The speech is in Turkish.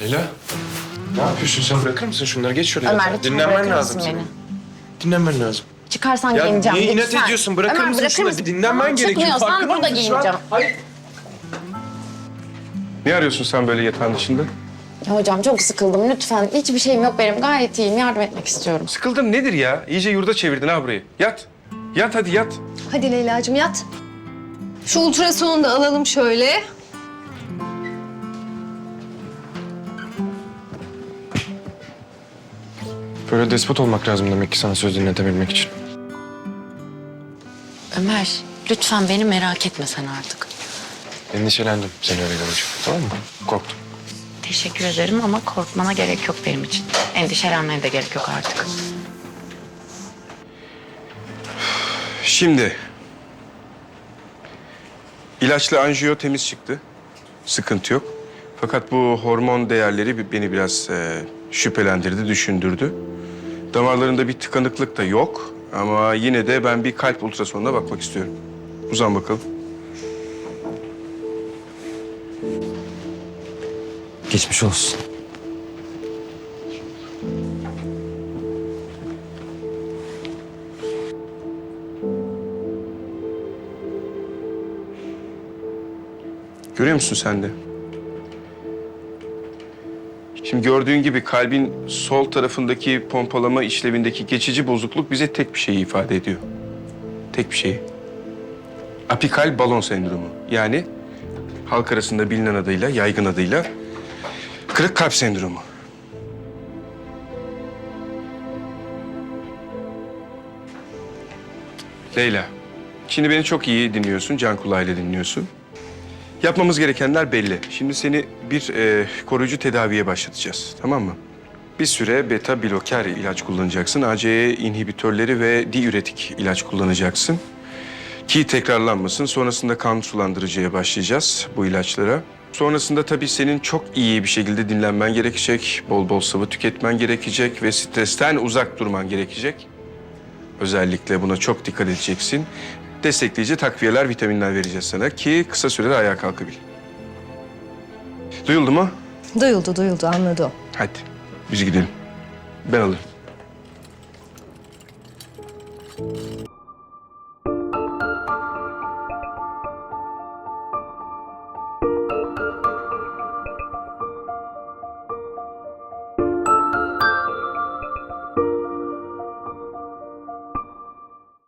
Leyla, ne yapıyorsun sen? Bırakır mısın şunları? Geç şuraya. Ömer, lütfen Dinlenmen bırakır lazım mısın senin. beni? Dinlenmen lazım. Çıkarsan Ya giyineceğim. niye inat lütfen. ediyorsun? Bırakır Ömer, mısın bırakır şunları? mısın? Dinlenmen Tamam, gerekiyor. çıkmıyorsan Farkında burada mısın şu an? giyineceğim. Hayır. Ne arıyorsun sen böyle yatağın dışında? Ya hocam çok sıkıldım lütfen. Hiçbir şeyim yok benim. Gayet iyiyim. Yardım etmek istiyorum. Sıkıldın nedir ya? İyice yurda çevirdin ha burayı. Yat. Yat hadi yat. Hadi Leyla'cığım yat. Şu ultrasonu da alalım şöyle. Böyle despot olmak lazım demek ki sana söz dinletebilmek için. Ömer, lütfen beni merak etme sen artık. Endişelendim seni öyle görünce. Tamam mı? Korktum. Teşekkür ederim ama korkmana gerek yok benim için. Endişelenmene de gerek yok artık. Şimdi. İlaçlı anjiyo temiz çıktı. Sıkıntı yok. Fakat bu hormon değerleri beni biraz şüphelendirdi, düşündürdü. Damarlarında bir tıkanıklık da yok. Ama yine de ben bir kalp ultrasonuna bakmak istiyorum. Uzan bakalım. Geçmiş olsun. Görüyor musun sen de? Şimdi gördüğün gibi kalbin sol tarafındaki pompalama işlevindeki geçici bozukluk bize tek bir şeyi ifade ediyor. Tek bir şeyi. Apikal balon sendromu. Yani halk arasında bilinen adıyla, yaygın adıyla kırık kalp sendromu. Leyla, şimdi beni çok iyi dinliyorsun, can kulağıyla dinliyorsun. Yapmamız gerekenler belli. Şimdi seni bir koruyucu tedaviye başlatacağız, tamam mı? Bir süre beta bloker ilaç kullanacaksın. ACE inhibitörleri ve diüretik ilaç kullanacaksın. Ki tekrarlanmasın. Sonrasında kan sulandırıcıya başlayacağız bu ilaçlara. Sonrasında tabii senin çok iyi bir şekilde dinlenmen gerekecek. Bol bol sıvı tüketmen gerekecek ve stresten uzak durman gerekecek. Özellikle buna çok dikkat edeceksin. Destekleyici takviyeler, vitaminler vereceğiz sana ki kısa sürede ayağa kalkabil. Duyuldu mu? Duyuldu anladı o. Hadi biz gidelim. Ben alırım.